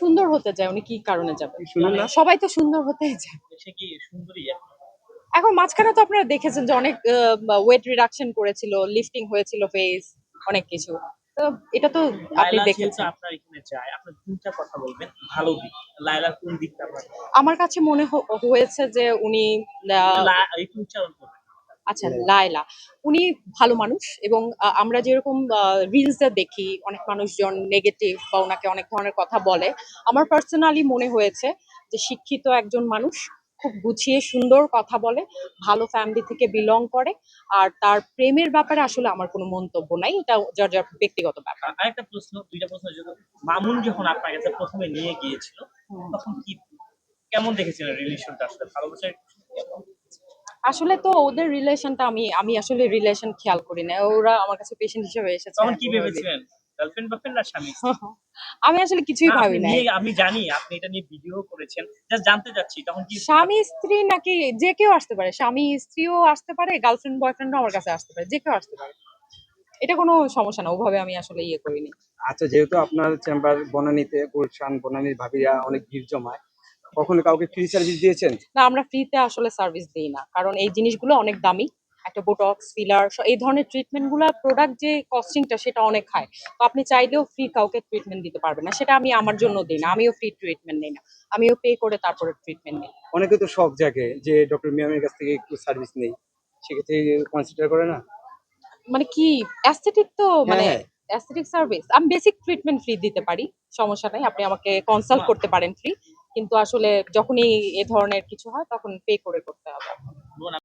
সুন্দর হতে চায়, উনি কি কারণে যাবেন? শুনুন না। সবাই তো সুন্দর হতেই চায়। সে কি সুন্দরী এখন? এখন মাঝখানে তো আপনারা দেখেছেন যে অনেক ওয়েট রিডাকশন করেছিল, লিফটিং হয়েছিল ফেস, অনেক কিছু। তো এটা তো আপনি লায়লা যেহেতু দেখেছেন। আপনার এখানে যায়, আপনার ২ টা কথা বলবেন ভালো দিক। লায়লার কোন দিকটা আপনার আমার কাছে মনে হয়েছে যে উনি একটু উচ্চারণ করবেন? আচ্ছা, লায়লা। উনি ভালো মানুষ এবং আমরা যেরকম রিলসে দেখি অনেক মানুষজন নেগেটিভ বা উনাকে অনেক ধরনের কথা বলে। আমার পার্সোনালি মনে হয়েছে যে শিক্ষিত একজন মানুষ, খুব গুছিয়ে সুন্দর কথা বলে, ভালো ফ্যামিলি থেকে বিলং করে। আর তার প্রেমের ব্যাপারে আসলে আমার কোনো মন্তব্য নাই। এটা যার, যার ব্যক্তিগত ব্যাপার। আরেকটা প্রশ্ন, ২ টা প্রশ্ন যদি মামুন যখন আপনার কাছে ১ম এ নিয়ে গিয়েছিল, হুম। তখন কেমন দেখেছিলেন রিলেশনটা আসলে ভালোবাসার কেমন? আসলে তো ওদের রিলেশনটা আমি আসলে রিলেশন খেয়াল করি না। ওরা আমার কাছে পেশেন্ট হিসেবে এসেছে। তখন আমি কি ওভাবে ভেবেছিলেন? গার্লফ্রেন্ড বয়ফ্রেন্ড না স্বামী? আমি আসলে কিছুই না আপনি ভাবি নাই। নিয়ে আমি জানি আপনি এটা নিয়ে ভিডিও করেছেন। জাস্ট জানতে চাচ্ছি তখন কি স্বামী স্ত্রী নাকি যে কেউ আসতে পারে, স্বামী স্ত্রীও আসতে পারে, গার্লফ্রেন্ড বয়ফ্রেন্ডও আমার কাছে আসতে পারে, যে কেউ আসতে পারে। এটা কোনো সমস্যা না, ওভাবে আমি আসলে ইয়ে করিনি। আচ্ছা, যেহেতু আপনার চেম্বার বনানীতে, গুলশান বনানীর ভাবিরা অনেক ভিড় জমায়, কখনো কাউকে ফ্রি সার্ভিস দিয়েছেন? না, আমরা ফ্রিতে আসলে সার্ভিস দিই না, কারণ এই জিনিসগুলো অনেক দামি। একটা বোটক্স, ফিলার, এই ধরনের ট্রিটমেন্ট গুলা, প্রোডাক্ট যে কস্টিংটা সেটা অনেক হাই। তো আপনি চাইলেও ফ্রি কাউকে ট্রিটমেন্ট দিতে পারবেন না। সেটা আমি আমার জন্য দিই না, আমিও ফ্রি ট্রিটমেন্ট নিই না, আমিও পে করে তারপরে ট্রিটমেন্ট নিই। অনেকে তো শখ জাগে যে ডক্টর মিয়ামের কাছ থেকে একটু সার্ভিস নেই, সেক্ষেত্রে কনসিডার করে না? মানে কি, অ্যাস্থেটিক তো হ্যাঁ, মানে হ্যাঁ। অ্যাস্থেটিক সার্ভিস আমি বেসিক ট্রিটমেন্ট ফ্রি দিতে পারি, সমস্যা নাই। আপনি আমাকে কনসাল্ট করতে পারেন ফ্রি, কিন্তু আসলে যখনই এ ধরনের কিছু হয় তখন পে করে করতে হবে।